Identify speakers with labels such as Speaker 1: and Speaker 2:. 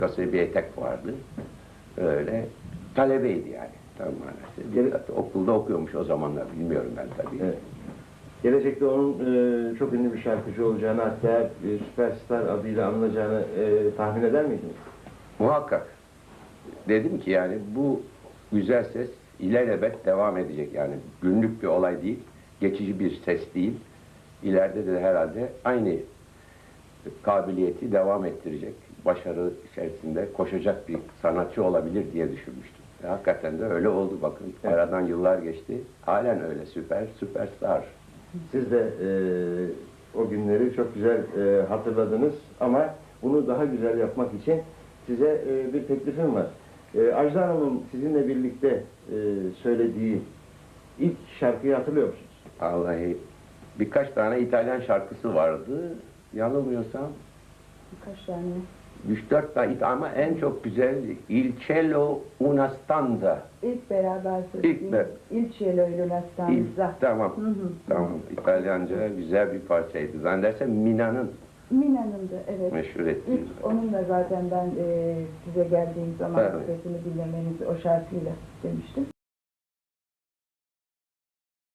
Speaker 1: Kasaya bir etek vardı. Öyle talebeydi yani. Tam manası. Okulda okuyormuş o zamanlar. Bilmiyorum ben tabii.
Speaker 2: Evet. Gelecekte onun çok ünlü bir şarkıcı olacağını, hatta süperstar adıyla anılacağını tahmin eder miydiniz?
Speaker 1: Muhakkak. Dedim ki yani bu güzel ses ilelebet devam edecek. Yani günlük bir olay değil, geçici bir ses değil. İleride de herhalde aynı kabiliyeti devam ettirecek, başarı içerisinde koşacak bir sanatçı olabilir diye düşünmüştüm. Hakikaten de öyle oldu bakın.
Speaker 2: Evet.
Speaker 1: Aradan yıllar geçti. Halen öyle süperstar.
Speaker 2: Siz de o günleri çok güzel hatırladınız ama bunu daha güzel yapmak için size bir teklifim var. Ajda Hanım'ın sizinle birlikte söylediği ilk şarkıyı hatırlıyor musunuz?
Speaker 1: Vallahi birkaç tane İtalyan şarkısı vardı. Yanılmıyorsam
Speaker 3: Birkaç tane.
Speaker 1: 3-4 tane ama en çok güzel Il cielo una stanza.
Speaker 3: İlk beraber söylediğim Il cielo in una stanza.
Speaker 1: Tamam. Tamam. İtalyanca güzel bir parçaydı. Zannedersem Mina'nın
Speaker 3: Mina'nın da evet.
Speaker 1: meşhur ettiği.
Speaker 3: İlk onunla zaten ben size geldiğim zaman
Speaker 1: Evet.
Speaker 3: sesini dinlemenizi o şarkıyla istemiştim.